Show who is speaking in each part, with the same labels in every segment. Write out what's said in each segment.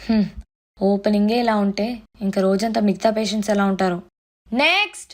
Speaker 1: ఓపెనింగే ఇలా ఉంటే ఇంకా రోజంతా మిగతా పేషెంట్స్ ఎలా ఉంటారు. నెక్స్ట్.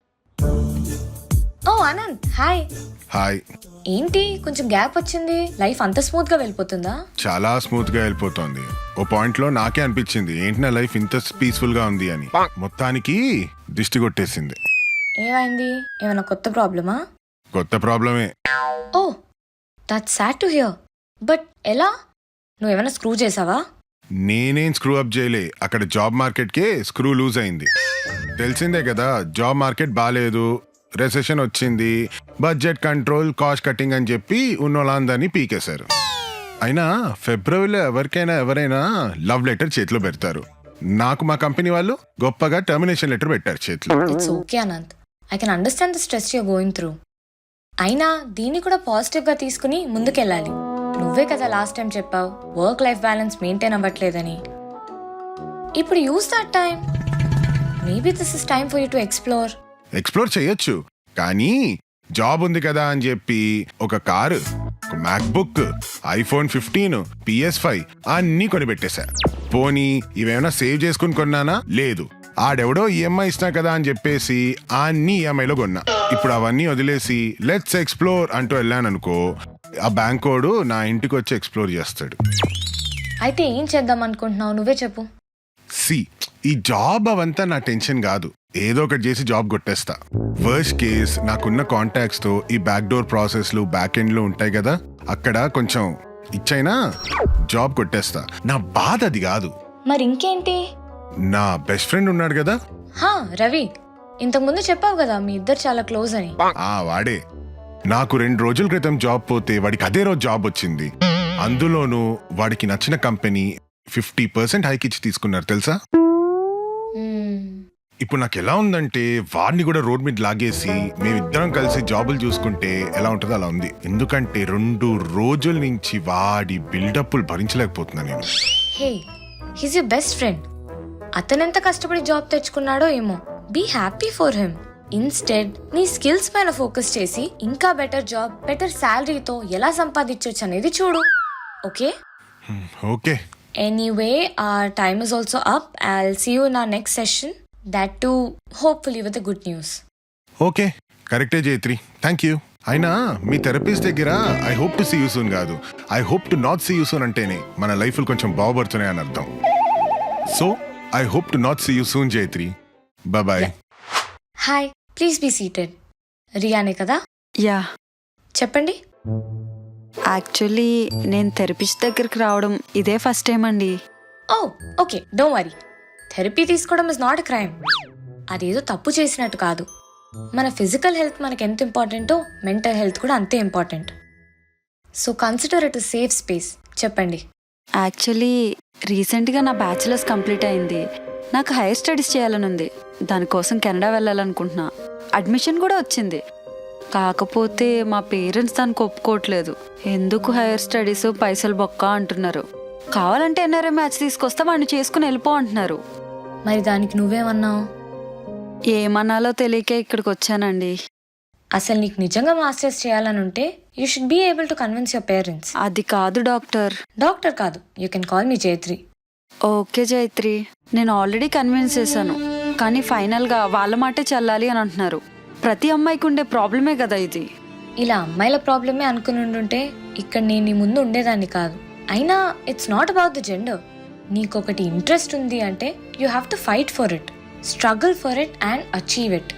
Speaker 1: ఓ ఆనంద్, హాయ్.
Speaker 2: హాయ్.
Speaker 1: ఏంటి కొంచెం గ్యాప్ వచ్చింది? లైఫ్ అంత స్మూత్ గా వెళ్ళిపోతుందా?
Speaker 2: చాలా స్మూత్ గా వెళ్ళిపోతుంది. ఓ పాయింట్ లో నాకే అనిపించింది ఏంటి నా లైఫ్ ఇంత పీస్ఫుల్ గా ఉంది అని. మొత్తానికి దిష్టి కొట్టేసింది.
Speaker 1: ఏమైంది? ఏమైనా కొత్త ప్రాబ్లమా?
Speaker 2: కొత్త ప్రాబ్లమే.
Speaker 1: Oh that's sad to hear. But ఎలా? నువ్వేమైనా స్క్రూ చేసావా?
Speaker 2: నేనేం స్క్రూ అప్ చేయలే. అక్కడ జాబ్ మార్కెట్ కే స్క్రూ లూజ్ అయింది. తెలిసిందే కదా, జాబ్ మార్కెట్ బాగాలేదు, రెసెషన్ వచ్చింది, బడ్జెట్ కంట్రోల్, కాస్ట్ కటింగ్ అని చెప్పి ఉన్నోళ్ళందరినీ పీకేశారు. అయినా ఫిబ్రవరిలో ఎవరైనా లవ్ లెటర్ చేతిలో పెడతారు. నాకు మా కంపెనీ వాళ్ళు గొప్పగా టర్మినేషన్ లెటర్ పెట్టారు చేతిలో.
Speaker 1: It's okay Anant, I can understand the stress you're going through. అయినా దీన్ని కూడా పాజిటివ్ గా తీసుకుని ముందుకెళ్ళాలి. నువ్వే కదా లాస్ట్ టైం చెప్పావు వర్క్ లైఫ్ బ్యాలెన్స్ మెయింటైన్ అవ్వట్లేదని. ఇప్పుడు use that time. Maybe this is time for you to
Speaker 2: explore చేయొచ్చు, కానీ జాబ్ ఉంది కదా అని చెప్పి ఒక కారు, ఒక మ్యాక్బుక్, ఐఫోన్ 15, PS5 అన్నీ కొనిపెట్టేశా. పోనీ ఇవేమైనా సేవ్ చేసుకుని కొన్నానా? లేదు. ఆడెవడో ఈఎంఐ ఇస్తున్నా కదా అని చెప్పేసి అన్ని ఈఎంఐలో కొన్నా. ఇప్పుడు అవన్నీ వదిలేసి లెట్స్ ఎక్స్ప్లోర్ అంటూ వెళ్ళాననుకో, ఆ బ్యాంక్ వాడు నా ఇంటికి వచ్చి ఎక్స్ప్లోర్ చేస్తాడు.
Speaker 1: అయితే ఏం చేద్దాం అనుకుంటున్నావు? నువ్వే చెప్పు.
Speaker 2: ఈ జాబ్ అవంతా నా టెన్షన్ కాదు. ఏదో ఒకటి చేసి జాబ్ కొట్టేస్తా. వర్స్ట్ కేస్ నాకున్న కాంటాక్ట్స్ తో ఈ బ్యాక్ డోర్ ప్రాసెస్లు, బ్యాక్ ఎండ్లు ఉంటాయి కదా, అక్కడ కొంచెం ఇచ్చైనా జాబ్ కొట్టేస్తా. నా బాధ అది కాదు.
Speaker 1: మరి ఇంకేంటి?
Speaker 2: నా బెస్ట్ ఫ్రెండ్ ఉన్నాడు కదా,
Speaker 1: రవి. ఇంతకు ముందు చెప్పావు కదా మీ ఇద్దరు చాలా క్లోజ్ అని.
Speaker 2: వాడే. నాకు 2 రోజుల క్రితం జాబ్ పోతే వాడికి అదే రోజు జాబ్ వచ్చింది. అందులోనూ వాడికి నచ్చిన కంపెనీ 50% హైక్ ఇచ్చి తీసుకున్నారు తెలుసా. ఇప్పుడు నాకు ఎలా ఉందంటే వాడిని కూడా రోడ్ మీద లాగేసి మేమిద్దరం కలిసి జాబులు చూసుకుంటే ఎలా ఉంటుందో అలా ఉంది. ఎందుకంటే 2 రోజుల నుంచి వాడి బిల్డప్లు భరించలేకపోతున్నా నేను.
Speaker 1: Hey, he's your best friend. అతనెంత కష్టపడి జాబ్ తెచ్చుకున్నాడో ఏమో. Be happy for him. Instead నీ స్కిల్స్ పైన ఫోకస్ చేసి ఇంకా బెటర్ జాబ్, బెటర్ శాలరీతో ఎలా సంపాదించవచ్చు అనేది చూడు. Okay?
Speaker 2: Okay.
Speaker 1: Anyway, our time is also up. I'll see you in our next session. That too, hopefully with the good news.
Speaker 2: Okay, కరెక్టే Jaitri, thank you. అయినా మీ థెరపిస్ట్ దగ్గర I hope to see you soon కాదు, I hope to not see you soon అంటేనే మన లైఫ్లు కొంచెం బాగుపడుతున్నాయి అని అర్థం. So I hope to not see you soon Jaitri. Bye.
Speaker 1: Hi, please be seated. రియానే కదా?
Speaker 3: యా.
Speaker 1: చెప్పండి.
Speaker 3: యాక్చువల్లీ నేను థెరపిస్ట్ దగ్గరికి రావడం ఇదే ఫస్ట్ టైం అండి.
Speaker 1: Oh okay, don't worry. Therapy తీసుకోవడం ఇస్ నాట్ ఎ క్రైమ్. అదేదో తప్పు చేసినట్టు కాదు. మన ఫిజికల్ హెల్త్ మనకి ఎంత ఇంపార్టెంటో మెంటల్ హెల్త్ కూడా అంతే important. So consider it safe space. చెప్పండి.
Speaker 3: యాక్చువల్లీ రీసెంట్గా నా బ్యాచిలర్స్ కంప్లీట్ అయింది. నాకు హైయర్ స్టడీస్ చేయాలని ఉంది. దానికోసం కెనడా వెళ్ళాలనుకుంటున్నా. అడ్మిషన్ కూడా వచ్చింది. కాకపోతే మా పేరెంట్స్ దానికి ఒప్పుకోవట్లేదు. ఎందుకు హైయర్ స్టడీస్, పైసలు బొక్క అంటున్నారు. కావాలంటే ఎన్ఆర్ఐ మ్యాచ్ తీసుకొస్తా వాడిని చేసుకుని వెళ్ళిపో అంటున్నారు.
Speaker 1: మరి దానికి నువ్వేమన్నావు?
Speaker 3: ఏమన్నాలో తెలియకే ఇక్కడికి వచ్చానండి.
Speaker 1: అసలు నీకు నిజంగా మాస్టర్స్ చేయాలని ఉంటే you should be able to convince your parents.
Speaker 3: అది కాదు డాక్టర్.
Speaker 1: డాక్టర్ కాదు, you can call me Jaitri.
Speaker 3: Okay Jaitri, నేను ఆల్రెడీ కన్విన్స్ చేశాను. కానీ ఫైనల్గా వాళ్ళ మాటే చెల్లాలి అని అంటున్నారు. ప్రతి అమ్మాయికి ఉండే ప్రాబ్లమే కదా ఇది.
Speaker 1: ఇలా అమ్మాయిల ప్రాబ్లమే అనుకుని ఉండుంటే ఇక్కడ నేను నీ ముందు ఉండేదాన్ని కాదు. అయినా it's not about the gender. నీకొకటి ఇంట్రెస్ట్ ఉంది అంటే you have to fight for it, struggle for it and achieve it.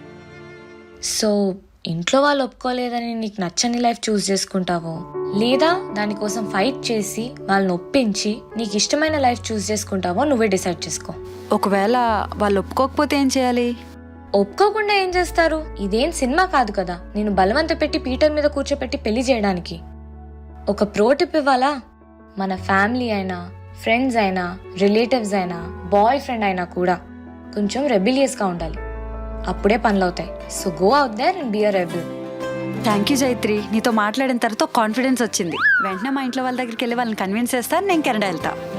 Speaker 1: So ఇంట్లో వాళ్ళు ఒప్పుకోలేదని నీకు నచ్చని లైఫ్ చూస్ చేసుకుంటావో, లేదా దానికోసం ఫైట్ చేసి వాళ్ళని ఒప్పించి నీకు ఇష్టమైన లైఫ్ చూస్ చేసుకుంటావో నువ్వే డిసైడ్ చేసుకో.
Speaker 3: ఒకవేళ వాళ్ళు ఒప్పుకోకపోతే ఏం చేయాలి?
Speaker 1: ఒప్పుకోకుండా ఏం చేస్తారు? ఇదేం సినిమా కాదు కదా నేను బలవంత పెట్టి పీటర్ మీద కూర్చోపెట్టి పెళ్లి చేయడానికి. ఒక ప్రో టిప్ ఇవ్వాలా? మన ఫ్యామిలీ అయినా, ఫ్రెండ్స్ అయినా, రిలేటివ్స్ అయినా, బాయ్ ఫ్రెండ్ అయినా కూడా కొంచెం రెబిలియస్గా ఉండాలి. అప్పుడే పనులవుతాయి. So go out there and be a rebel.
Speaker 3: Thank you Jaitri, నీతో మాట్లాడిన తర్వాత కాన్ఫిడెన్స్ వచ్చింది. వెంటనే మా ఇంట్లో వాళ్ళ దగ్గరికి వెళ్ళి వాళ్ళని కన్విన్స్ చేస్తాను. నేను కెనడా వెళ్తా.